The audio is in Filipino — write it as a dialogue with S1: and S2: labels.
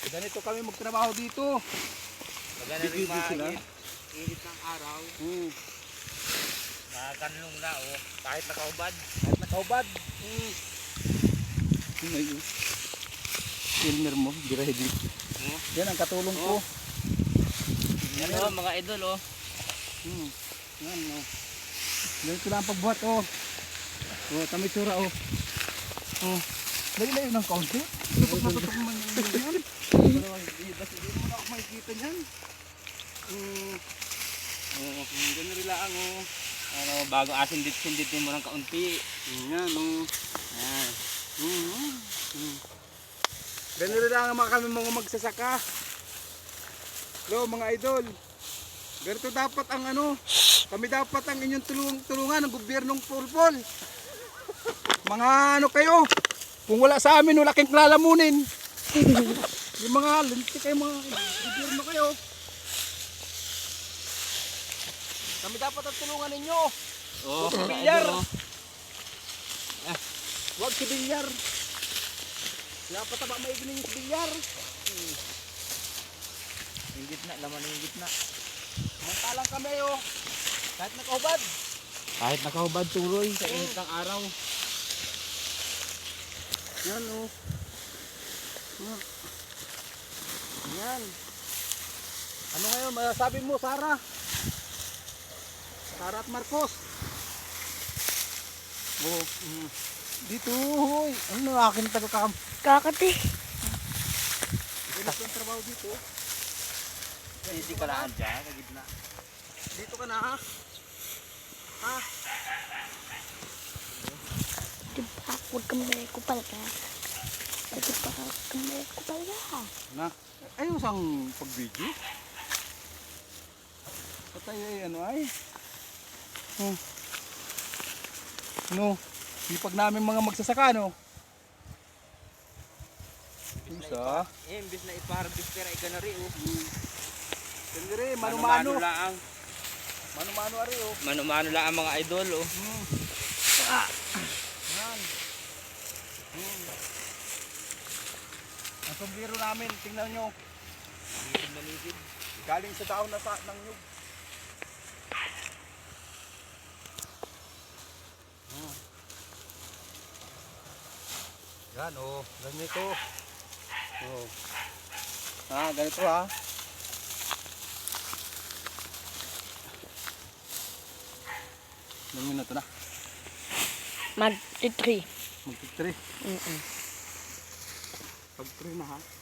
S1: Ganito kami magtrabaho dito.
S2: Maganda rin mainit ng araw. Makakanlong na kahit nakaubad.
S1: Kahit nakahubad. Ngayon. Filmer mo, ready. Yan ang katulong ko.
S2: Yan mga idol
S1: Yan Ganito lang ang pagbuhat tamitsura Lagi na yun ng kaunti. Tutok na tutok naman yan. Hindi mo na ako makikita niyan.
S2: Ganun rin lang bago sindit-sinditin mo ng kaunti.
S1: Yan Ganun rin lang kami mga magsasaka. Mga idol. Ganito dapat ang kami dapat ang inyong tulungan ng gobyernong Pulpol. Mga kayo, kung wala sa amin, wala kayong lalamunin. Yung mga lintik kayo, mga gobyerno kayo. Kami dapat ang tulungan ninyo. Huwag si Bilyar. Huwag si Bilyar. Dapat ba maigin ninyo si Bilyar?
S2: Yung gitna, laman yung gitna.
S1: Mantalang kami kahit nakahubad.
S2: Kahit nakahubad tuloy sa init ng araw.
S1: Yan Yan. Ano ngayon masasabi mo, Sarah? Sarah at Marcos. Dito, hoy. Ano akin taga-kam?
S3: Kakati.
S1: Ganito ang trabaho dito.
S2: Hindi ka lang dyan, sa gitna.
S1: Dito ka na, ha?
S3: Diba, huwag kang may kupal ka. Diba, huwag kang may kupal ka.
S1: Ayun sang pag-video. Patay ay sipag namin mga magsasaka,
S2: Imbis na ipa-harvest pero ikanari
S1: Mano-mano
S2: lang.
S1: Mano-mano ari
S2: Mano-mano lang ang mga idol
S1: Yan. Ang sombrero namin, tingnan nyo. Galing sa daon ng nyug. Yan ganito. Ganito Ilang minuto na?
S3: Mag-3.
S1: Mag-3. Pag 3 na